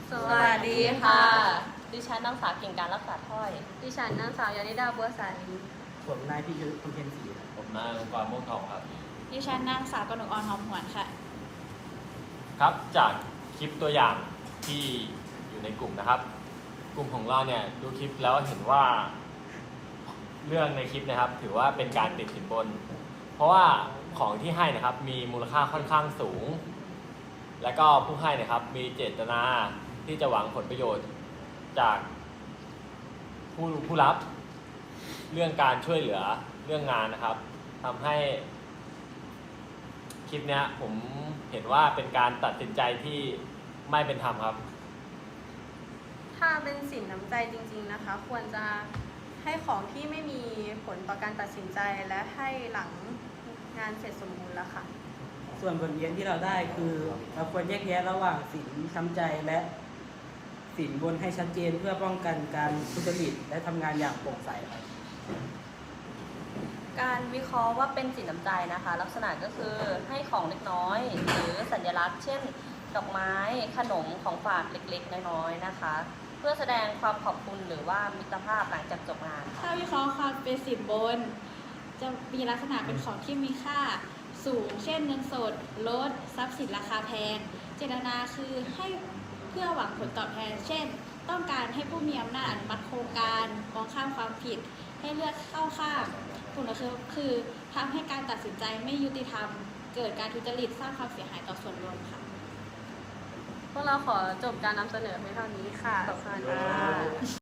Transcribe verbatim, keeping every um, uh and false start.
สวัสดีค่ะดิฉันนางสาวเก่งการรักษาถ้อยดิฉันนางสาวยานิดาบัวใสผมนายพิยุทธ์คุณเพ็ญศรีผมนายองค์กรม่วงทองครับดิฉันนางสาวกนกออนหอมหวนค่ะครับจากคลิปตัวอย่างที่อยู่ในกลุ่มนะครับ กลุ่มของเราเนี่ยดูคลิปแล้วเห็นว่าเรื่องในคลิปนะครับ ถือว่าเป็นการติดสินบน เพราะว่าของที่ให้นะครับมีมูลค่าค่อนข้างสูง และก็ผู้ให้นะครับมีเจตนาที่จะหวังผลประโยชน์จากผู้ผู้รับเรื่องการช่วยเหลือเรื่องงานนะครับทำให้คลิปเนี้ยผมเห็นว่าเป็นการตัดสินใจที่ไม่เป็นธรรมครับถ้าเป็นสินน้ำใจจริงๆนะคะ ควรจะให้ของที่ไม่มีผลต่อการตัดสินใจและให้หลังงานเสร็จสมบูรณ์แล้วค่ะส่วนบทเรียนที่เราได้คือเราควรแยกแยะระหว่างสินช้ำใจและสินบนให้ชัดเจนเพื่อป้องกันการทุจริตและทำงานอย่างโปร่งใสครับการวิเคราะห์ว่าเป็นสินน้ำใจนะคะ ลักษณะก็คือให้ของเล็กน้อย หรือสัญลักษณ์ เช่น ดอกไม้ขนมของฝากเล็กๆน้อยๆนะคะ เพื่อแสดงความขอบคุณหรือว่ามิตรภาพหลังจากจบงานค่ะถ้าวิเคราะห์ความเป็นสินบน จะมีลักษณะเป็นของที่มีค่าสูง เช่นเงินสดรถทรัพย์สินราคาแพง เจตนาคือให้เพื่อหวังผลตอบแทน เช่น ต้องการให้ผู้มีอำนาจอนุมัติโครงการมองข้ามความผิด ให้เลือกเข้าข้างผลคือคือทำให้การตัดสินใจไม่ยุติธรรม เกิดการทุจริตสร้างความเสียหายต่อส่วนรวมค่ะพวกเราขอจบการนำเสนอเพียงเท่านี้ค่ะ ขอบคุณค่ะ